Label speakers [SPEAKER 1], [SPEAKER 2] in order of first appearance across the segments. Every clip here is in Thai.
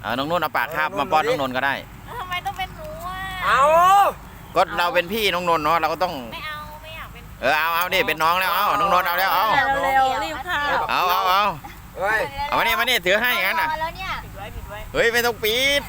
[SPEAKER 1] น้องนุ่นเอาปากคาบมาป้อนน้องนนท์ก็ได้
[SPEAKER 2] ทำไมต้องเป็นหนูอ่ะ
[SPEAKER 3] เอา
[SPEAKER 1] ก็เราเป็นพี่น้องนนท์เนาะเราก็ต้อง
[SPEAKER 2] ไม่เอาไม่อยากเป็น
[SPEAKER 1] เอาดิเป็นน้องแล้วเอาน้องนนท์เอาแล้วเอา
[SPEAKER 4] เร็วๆรีบเข้า
[SPEAKER 1] เอา
[SPEAKER 3] เฮ้ย
[SPEAKER 1] เอามานี่ถือให้งั้นน่ะ
[SPEAKER 2] แล้วเนี่ย
[SPEAKER 4] ปิดไว้
[SPEAKER 1] เฮ้ยไม่ต้องปิด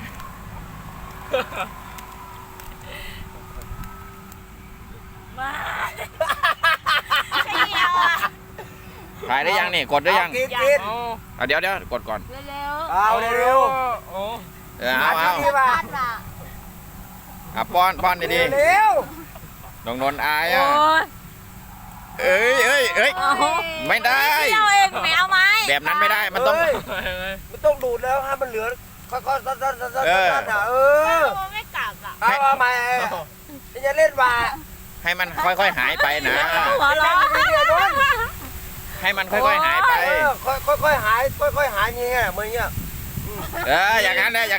[SPEAKER 4] มา
[SPEAKER 2] ไม่เดียวอ่ะ
[SPEAKER 1] ถ่ายได้ยังนี่กดได้ยัง
[SPEAKER 3] กิน
[SPEAKER 1] เดี๋ยวกดก่อน
[SPEAKER 2] เร็ว
[SPEAKER 3] เอาเร็ว
[SPEAKER 1] เอา
[SPEAKER 3] ๆนี่ป่ะ
[SPEAKER 2] บ้านว่ะ
[SPEAKER 1] ป้อนดี
[SPEAKER 3] เร็ว
[SPEAKER 1] ๆน้องนนท์อาย
[SPEAKER 4] โอ้
[SPEAKER 1] อ่ะ
[SPEAKER 4] ย
[SPEAKER 1] เอ้ยไม่ได้
[SPEAKER 4] เที่ยวเองแมวไหม
[SPEAKER 1] แบบนั้นไม่ได้มันต้อง
[SPEAKER 3] มันต้องดูดแล้วให้มันเหลือค่อยๆซัดๆเออ
[SPEAKER 2] มันไม่กัดอ่ะ
[SPEAKER 3] เอาใหม่จะเล่นว่า
[SPEAKER 1] ให้มันค่อยๆหายไปนะ
[SPEAKER 4] หัวเราะ
[SPEAKER 1] ให้มันค่อยๆหายไป
[SPEAKER 3] ค่อยๆหายค่อยๆหายเงี้ยเหมือนเงี้ย
[SPEAKER 1] อย่างนั้นแหละ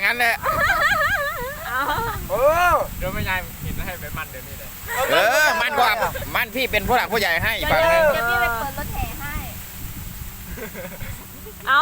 [SPEAKER 3] เออ
[SPEAKER 5] เดี๋ยวไม่ยายเห็นให้ไปมันเดี๋ยวนี้เลย
[SPEAKER 1] มันกว่ามันพี่เป็นผู้หลักผู้ใหญ่ให้ฝั่งนึง
[SPEAKER 2] เดี๋ยวพี่ไปเปิดรถแห่ให้
[SPEAKER 4] เอา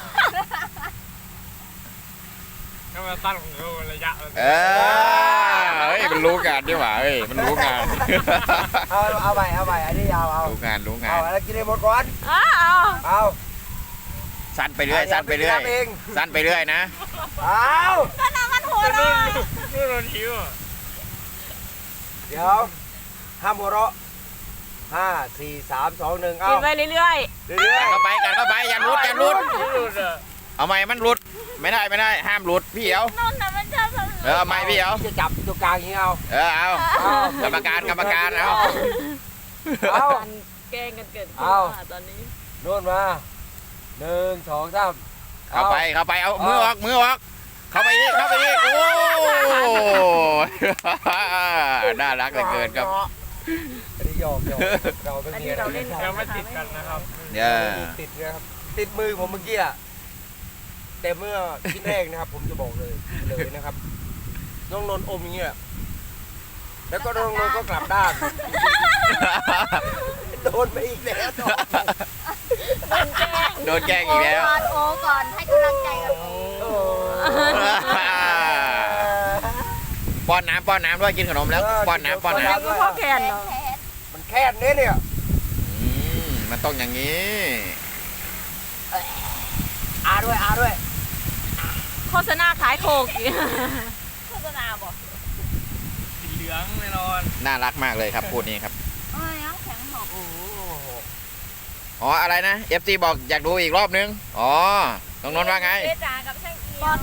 [SPEAKER 5] ก็มาตั้งระยะ
[SPEAKER 1] เฮ้ยมันรู้งานดีกว่าเฮ้ยมันรู้งาน
[SPEAKER 3] เอาใหม่อันนี้ยาวเอา
[SPEAKER 1] รู้งาน
[SPEAKER 3] เอาแล้วกินให้หมดก่อน
[SPEAKER 4] เอา
[SPEAKER 1] สั้นไปเรื่อยสั้นไปเรื่อยนะ
[SPEAKER 3] เอา
[SPEAKER 2] ก็น้ำมันหัวเราะ
[SPEAKER 5] นู่นโดนหิว
[SPEAKER 3] เดี๋ยวห้ามหัวเราะ5 4 3 2 1เอา
[SPEAKER 4] กินไปเรื่อย
[SPEAKER 3] เรื่อย
[SPEAKER 1] กันเข้าไปอย่าหลุด
[SPEAKER 5] หลุดอ่ะ
[SPEAKER 1] เอาไม่มันหลุดไม่ได้ห้ามหลุดพี่เอา
[SPEAKER 2] นนท์น่ะมันชอบทำ
[SPEAKER 1] เอาไม่พี่เอา
[SPEAKER 3] จะจับตัวกลางอย่างนี้เอา
[SPEAKER 1] เอากรรมการเอา
[SPEAKER 3] เอา
[SPEAKER 4] ๆแกล้งกันเกิดขึ้น
[SPEAKER 3] เอา
[SPEAKER 4] ตอนนี้
[SPEAKER 3] โน่นมา1 2 3
[SPEAKER 1] เข้าไปเอามือออกเข้าไปอีกโอ้น่ารักเหลือเกินครับ
[SPEAKER 3] อันนี้ยอมเราเป็น
[SPEAKER 4] อัน
[SPEAKER 3] เมี
[SPEAKER 4] นี้
[SPEAKER 3] ย
[SPEAKER 4] เราเล่น
[SPEAKER 5] ยังไม่ติดกันนะครับ
[SPEAKER 1] เนี่ย
[SPEAKER 3] ติดนะครับติดมือผมเมื่อกี้อะแต่เมื่อชิ้นแรกนะครับ ผมจะบอกเลยนะครับน้องนนท์อมอย่างเงี้ยแล้วก็น้องนนท์ก็กลับด้านโดนไปอีกแล้ว
[SPEAKER 1] โดนแกล้งอีกแล้ว
[SPEAKER 2] ก่อนโอก่อนให้กำลังใจกับโอ
[SPEAKER 3] โอ้
[SPEAKER 1] ป้อนน้ำด้วยกินขนมแล้วป้อนน้ำ
[SPEAKER 4] พ่อแกนเหรอ
[SPEAKER 3] มันแค่นี้เนี่ย
[SPEAKER 1] มันต้องอย่างนี้
[SPEAKER 3] อาด้วย
[SPEAKER 4] โฆษณาขายโคกอีก
[SPEAKER 2] โฆษณาบอก
[SPEAKER 5] สีเหลืองแน่นอน
[SPEAKER 1] น่ารักมากเลยครับพูดนี้ครับ
[SPEAKER 2] เอ้ยน้ำแข็งหก
[SPEAKER 1] อ๋ออะไรนะ FC บอกอยากดูอีกรอบนึงอ๋อน้องนนท์ว่าไง
[SPEAKER 2] เจ๊จ๋ากับช่างเอียว